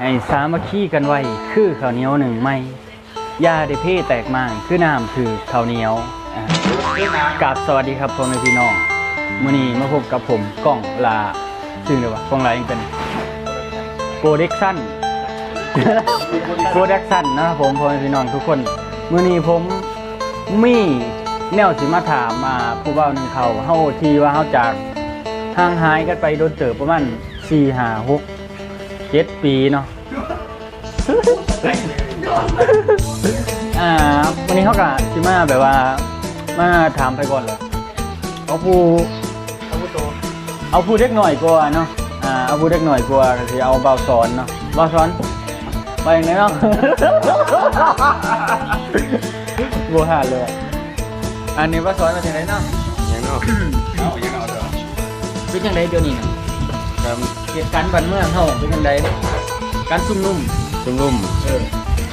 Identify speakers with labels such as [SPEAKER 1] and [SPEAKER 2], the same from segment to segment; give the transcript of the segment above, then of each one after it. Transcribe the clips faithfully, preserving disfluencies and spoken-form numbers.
[SPEAKER 1] ให้สามัคคีกันไว้คือข้าวเหนียวหนึ่งไม้ยาได้เพ่แตกมากคือน้ำถือข้าวเหนียวกราบสวัสดีครับพ่อแม่พี่น้องมื้อนี้มาพบกับผมก้องลาชื่อเลยวะก้องลายังเป็นโปรดักชั่นโปรดักชั่นนะครับผมพ่อแม่พี่น้องทุกคนมื้อนี้ผมมีแนวสิมาถามมาผู้เว้าหนึ่งเขาเฮาที่ว่าเฮาจากห่างหายกันไปโดนเติบประมาณสี่ ห้า หก เจ็ดปีเนาะอ่าวันนี้เขากะสิมาแบบว่ามาถามไปก่อนเลยเอาผู้เอาผู้เด็กหน่อยกว่าเนาะอ่าเอาผู้เด็กหน่อยกว่าก็สิเอาเบาสอนเนาะเบาสอนไปอย่างไรเนาะบัวหาเลยอันนี้เบาสอนมาจากไหนเนาะ
[SPEAKER 2] ยังเนาะเอายังเอาเถอะ
[SPEAKER 1] เป็นยังไงเดี๋ยวนี้นะเหตุการณ์บ้านเมืองเฮาเป็นยังไงการซุ่มนุ่ม
[SPEAKER 2] ซุ่มนุ่ม
[SPEAKER 1] เออ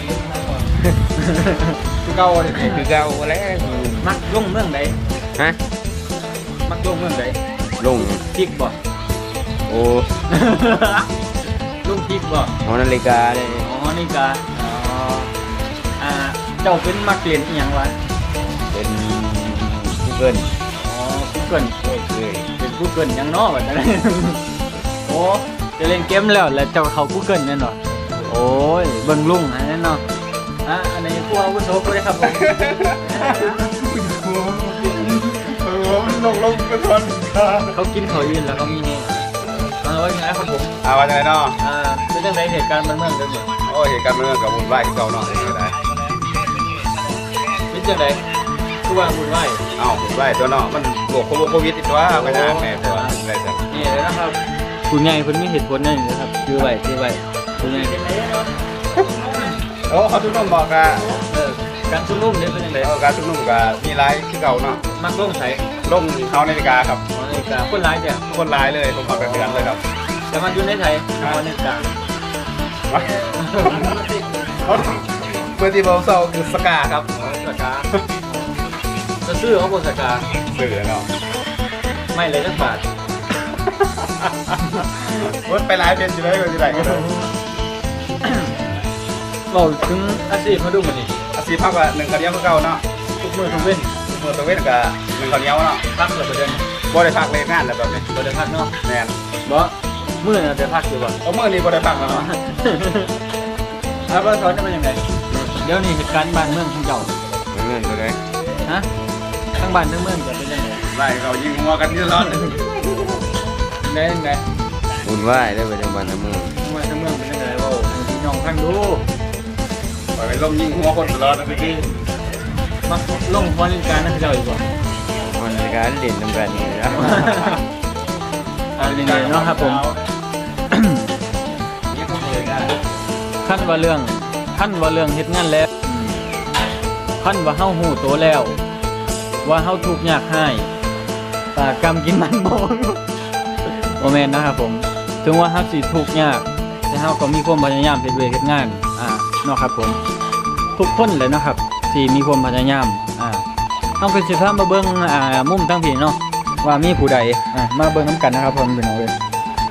[SPEAKER 2] คือเก่าเลยคือเก่าแล้ว
[SPEAKER 1] มักลงเมืองใด
[SPEAKER 2] ฮะ
[SPEAKER 1] มักลงเมืองใด
[SPEAKER 2] ลง
[SPEAKER 1] พริกบ่
[SPEAKER 2] โอ้
[SPEAKER 1] ลงพริกบ่
[SPEAKER 2] หอนาฬิกาเลย
[SPEAKER 1] อ๋อนาฬิกาอ๋ออ่าเจ้าเป็นมักเรียนอีหยังวะ
[SPEAKER 2] เป็นกูเกิล
[SPEAKER 1] อ๋อกูเกิลโอ้ยเป็นกูเกิลยังน้อแบบนั้นโอ้จะเล่นเกมแล้วแล้วเจ้าเขากูเกิลแน่นอนโอ้ยเบิ่งลุงอันนั้นเนาะอ่ะอันนี้ผู้อาวุโสกูได้ครับผม
[SPEAKER 2] มันลงลงกระทอน
[SPEAKER 1] เขากินเขายืนแล้วเขามีเนี่ยเอาไว้ยังไงครับผม
[SPEAKER 2] เอาไว้ยังไงเนาะ
[SPEAKER 1] อ่าเป็นยังไงเหตุการณ์มันเมืองเดิม
[SPEAKER 2] โอ้เหตุการณ์เมืองกับบุญไหว้ที่เก่าเนาะยังไง
[SPEAKER 1] เป็นยังไงทุกวันบุญไหว้
[SPEAKER 2] เอ้าบุญไหว้ตัวเนาะมันโรคโควิดติดตัวไม่นานแม่ตัวอะไรสัก
[SPEAKER 1] นี่เลยนะครับคุณใหญ่คนมีเหตุผลนั่นนะครับคือไหวคือไหวคุณใหญ่
[SPEAKER 2] โอ้เขาชุมนุมบอกกัน
[SPEAKER 1] การชุมนุมเนี่ยเป็นยังไง
[SPEAKER 2] การชุมนุมกับมีไลฟ์ที่เก่าเนาะ
[SPEAKER 1] มักลงใส่
[SPEAKER 2] ลงเขานาฬิกาครับ
[SPEAKER 1] นาฬิกาคนร้ายเนี่ย
[SPEAKER 2] คนร้ายเลยผมขอเป็นเดือนเลยครับ
[SPEAKER 1] แต่มันอยู่ในไทยนาฬิกา
[SPEAKER 2] เมื่อที่เราเศร้าคือสกาครับ
[SPEAKER 1] สกาจะซื้อเขาบอกสกา
[SPEAKER 2] ซื้อเนาะ
[SPEAKER 1] ไม่เลยสักบาท
[SPEAKER 2] วัดไปไลฟ์เป็นอยู่เลยอยู่ไหนก็ได้
[SPEAKER 1] เราถึงอาชีพมาดูมันนี่
[SPEAKER 2] อาชีพพักว่าหนึ่งคนเดียวก็เก่าเนาะ
[SPEAKER 1] ทุกมือทุกเว้น
[SPEAKER 2] ทุกมือทุกเว้นกับหนึ่งคนเดียวเนาะ
[SPEAKER 1] พักเลยประเด็น
[SPEAKER 2] บ่ได้พักเลยงานแล้วแบบนี้
[SPEAKER 1] บ่ได้พักเนาะ
[SPEAKER 2] แน่น
[SPEAKER 1] บ่มือเนี่ยจะพักอยู่บ่
[SPEAKER 2] เอามือนี้บ่ได้พักแล้วเนาะ
[SPEAKER 1] แล้วก็สอนจะเป็นยังไงเดี๋ยวนี้เหตุการณ์บ้านเมืองของเจ้า
[SPEAKER 2] เงินตัวไหน
[SPEAKER 1] ฮะทั้งบ้านทั้งเมืองจะเป็นยังไง
[SPEAKER 2] ไล่เขายิงหัวกันที่ร้อน
[SPEAKER 1] ได้ยังไง
[SPEAKER 2] บุญไหว้ได้ไปจังบ้านทั้งเมือง
[SPEAKER 1] บ้านทั้งเมืองเป็นยังไงว่าพี่น้องข้างดู
[SPEAKER 2] ไปลงยิงหัวคนตลอดนะพี่
[SPEAKER 1] มาลงหัวเล่นการนั่นคือเราอีกบ่
[SPEAKER 2] หัวเล่นการเล่นน้ำกันนี่นะ
[SPEAKER 1] อะไรนี่เนาะครับผมขั้นว่าเรื่องขั้นว่าเรื่องเฮ็ดงานแล้วขั้นว่าเฮาหูโตแล้วว่าเฮาทุกข์ยากให้ปากกรรมกินมันบ่โอแมนนะครับผมถึงว่าเฮาสิทุกข์ยากแต่เฮาก็มีความพยายามเฮ็ดเวรเฮ็ดงานอ่าเนาะครับผมทุกคนเลยนะครับที่มีความพยายามอ่าเฮาก็สิพามาเบิ่งอ่ามุมทั้งพี่เนาะว่ามีผู้ใดอ่ามาเบิ่งนำกันนะครับผมพี่น้องเอ้ย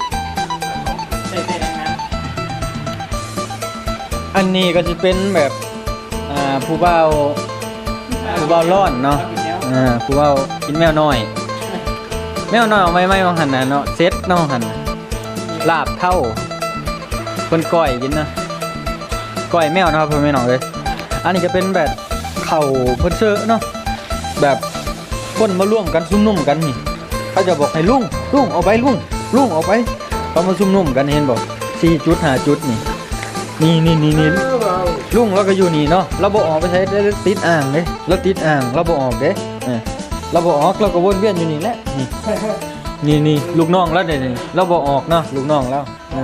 [SPEAKER 1] อันนี้ก็สิเป็นแบบอ่าผู้บ่าวผู้บ่าวร้อนเนาะอ่าผู้บ่าวกินแมวน้อยแมวน้อยเอาไว้ไม่มองหันน่ะเนาะเซ็ตเนาะหันลาบเท่าคนก้อยกินนะก้อยแมวนะครับเพื่อนไม่หน่อยเลยอันนี้จะเป็นแบบเข่าเพื่อนเชื่อเนาะแบบคนมาร่วมกันซุ่มนุ่มกันนี่เขาจะบอกให้ลุงลุงเอาไปลุงลุงเอาไปเขามาซุ่มนุ่มกันเห็นบอกสี่จุดห้าจุดนี่นี่นี่นี่นี่ลุงเราก็อยู่นี่เนาะเราบอกออกไปใช้ติดอ่างเลยเราติดอ่างเราบอกออกเด้เราบอกออกเราก็วนเวียนอยู่นี่แหละนี่นี่นี่ลูกน้องแล้วเดี๋ยวนี้เราบอกออกเนาะลูกน้องแล้ว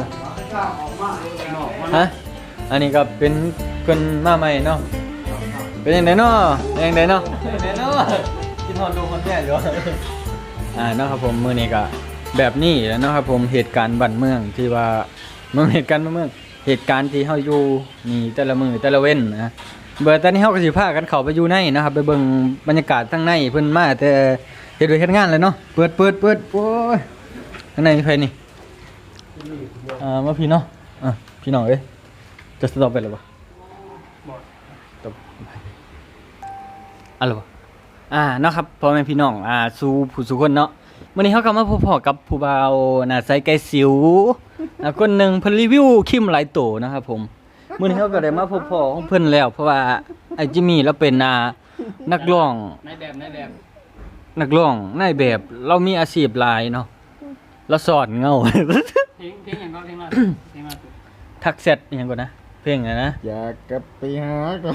[SPEAKER 1] ฮะอันนี้ก็เป็นคนมาใหม่เนาะเป็นยังไงเนาะยังไงเนาะยังไงเนาะกินทอนดูคนแก่อยู่อ่าเนาะครับผมมื้อนี้ก็แบบนี้แล้วเนาะครับผมเหตุการณ์บ้านเมืองที่ว่าเมืองเหตุการณ์เมืองเหตุการณ์ที่เฮาอยู่นี่แต่ละมื้อแต่ละเว้นนะเบอร์ตอนนี้เฮาก็สิพากันเข้าไปอยู่ในนะครับไปเบิ่งบรรยากาศข้างในเพิ่นมาแต่เฮ็ดด้วยเฮ็ดงานเลยเนาะเปิดเปิดเปิดโอ้ยข้างในมีใครนี่อ่ามาพี่เนาะอ่ะพี่น้องเอ้ยจะสต็อปไปหรือเปล่า
[SPEAKER 3] บอก
[SPEAKER 1] ตบอะไรวะอ่าเนาะครับพ่อแม่พี่น้องอ่าสู่ผู้สู่คนเนาะวันนี้เขากลับมาพบพ่อกับผู้บ่าวหน้าใสไก่สิวอ่าคนหนึ่งเพิ่นรีวิวครีมหลายโตนะครับผมมื้อนี้เขาก็ได้มาพบพ่อของเพิ่นแล้ว เพราะว่าไอ้จิมมี่เราเป็นอ่านักร้อง
[SPEAKER 3] นายแบบนายแบบ
[SPEAKER 1] นักร้องนายแบบเรามีอาชีพหลายเนาะเราสอนเงา
[SPEAKER 3] เพลงเพลงอย่างก็เพลงมาเพลงมาสุด
[SPEAKER 1] ทักเซตอหยังก่อนนะเพลงอะไรนะ
[SPEAKER 2] อยากกลับไปหาเขา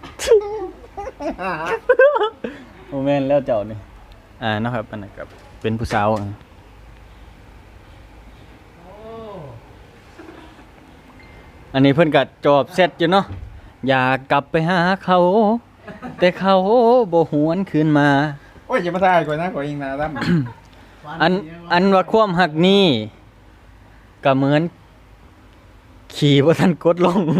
[SPEAKER 1] โมเมนต์แล้วเจ้านี่อ่านะครับอันนั้นครับเป็นผู้สาวอ่ะอันนี้เพิ่นก็จอบเสร็จอยู่เนาะอยากกลับไปหาเขา แต่เขาบ่หวนคืนมา
[SPEAKER 2] โอ้ยอย่ามาถ่ายก่อนนะขอเองนะตั้ม
[SPEAKER 1] อันอันว่าความหักนี้ก็เหมือนขี่บ่ทันกดลง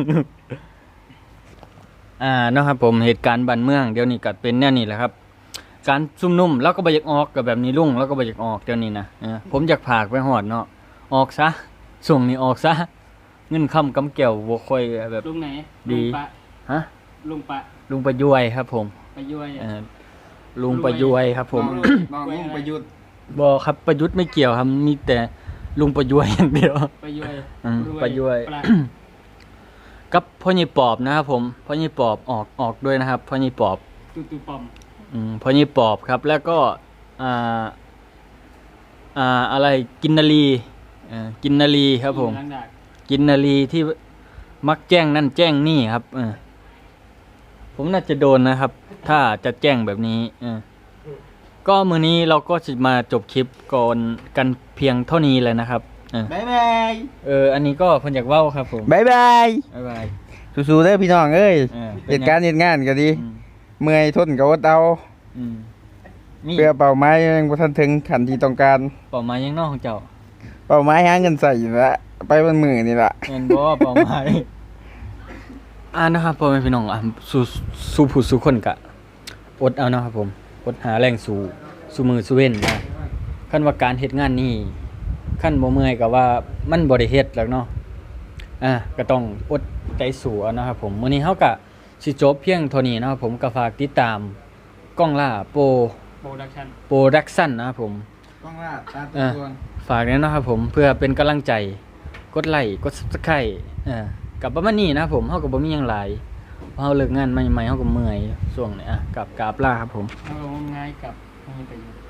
[SPEAKER 1] อ่าเนาะครับผมเหตุการณ์บ้านเมืองเดี๋ยวนี้ก็เป็นแนวนี้แหละครับ การซุ่มนุ่มแล้วก็บ่อยากออกกับแบบนี้ลุงแล้วก็บ่อยากออกเดี๋ยวนี้นะเออผมอยากผากไปหอดเนาะออกซะส่งนี้ออกซะเงินค่ำกำแก้วบ่ค่อยแบบ
[SPEAKER 3] ลุงไหน
[SPEAKER 1] ดี
[SPEAKER 3] ลุงปะ
[SPEAKER 1] ฮะ
[SPEAKER 3] ลุงปะ
[SPEAKER 1] ลุงประยวยครับผม
[SPEAKER 3] ไปย้วย
[SPEAKER 1] เออลุงประยวยครับผม
[SPEAKER 2] น้องน้องลุงประยุทธ์
[SPEAKER 1] บ่ครับประยุทธ์ไม่เกี่ยวครับมีแต่ลุงประยวยอย่างเดียว
[SPEAKER 3] ไปย้วย
[SPEAKER 1] อืม
[SPEAKER 3] ร
[SPEAKER 1] ไปย้วย
[SPEAKER 3] ปลา
[SPEAKER 1] กับพ่อใหญ่ปอบนะครับผมพ่อใหญ่ปอบออกออกด้วยนะครับพ่อใหญ่ปอบ
[SPEAKER 3] ตูตูปอม
[SPEAKER 1] อืมพ่อใหญ่ปอบครับ แล้วก็อ่าอ่าอะไรกินนาลีเอ่อกินนาลีครับผม
[SPEAKER 3] ล้างดาก
[SPEAKER 1] กินนาลีที่มักแจ้งนั่นแจ้งนี่ครับเออผมน่าจะโดนนะครับ ถ้าจะแจ้งแบบนี้เออก็มื้อนี้เราก็จะมาจบคลิปก่อนกันเพียงเท่านี้เลยนะครับเออ
[SPEAKER 2] บ๊ายบาย
[SPEAKER 1] เอออันนี้ก็เพิ่นอยากเว้าครับผม
[SPEAKER 2] บ๊ายบาย
[SPEAKER 1] บ๊ายบาย
[SPEAKER 2] สู้ๆเด้อพี่น้องเอ้ย
[SPEAKER 1] เออ
[SPEAKER 2] เหตุการณ์เหตุงานก็ดี
[SPEAKER 1] อืม
[SPEAKER 2] เมื่อยทนกับอดเอา
[SPEAKER 1] อืมมี
[SPEAKER 2] เพื่อเป้าหมายยังบ่ทันถึงขั้นที่ต้องการ
[SPEAKER 1] เป้าหมายยังนอกของเจ้า
[SPEAKER 2] เป้าหมายหาเงินใส่อยู่ละไปบนมือนี่ล่ะ
[SPEAKER 1] เงินบ่เป้าหมาย อ่านะครับพ่อแม่พี่น้องอ่ะสู่สู่ผู้สู่คนกะอดเอานะครับผมอดหาแรงสู่สู่มือสู่เว้นนะคันว่าการเฮ็ดงานนี้คันบ่เมื่อยก็ว่ามันบ่ได้เฮ็ดหรอกเนาะอ่าก็ต้องอดใจสู้เอานะครับผมมื้อนี้เฮาก็สิจบเพียงเท่านี้นะครับผมก็ฝากติดตามกล้องล่าโปร
[SPEAKER 3] โปรดักชั่น
[SPEAKER 1] โปรดักชั่นนะครับผม
[SPEAKER 2] ต้องลาดตา
[SPEAKER 1] อ่ะ ฝากด้วยนะครับผมเพื่อเป็นกำลังใจกดไลค์กด Subscribe อ่ากับประมาณนี้นะครับผมเฮาก็บ่มีหยังหลายเพราะเฮาเลิกงานใหม่ๆเฮาก็เมื่อยช่วงนี้อ่ะกลับกราบลาครับผม
[SPEAKER 3] เอาง่ายกับไม่ไปอยู่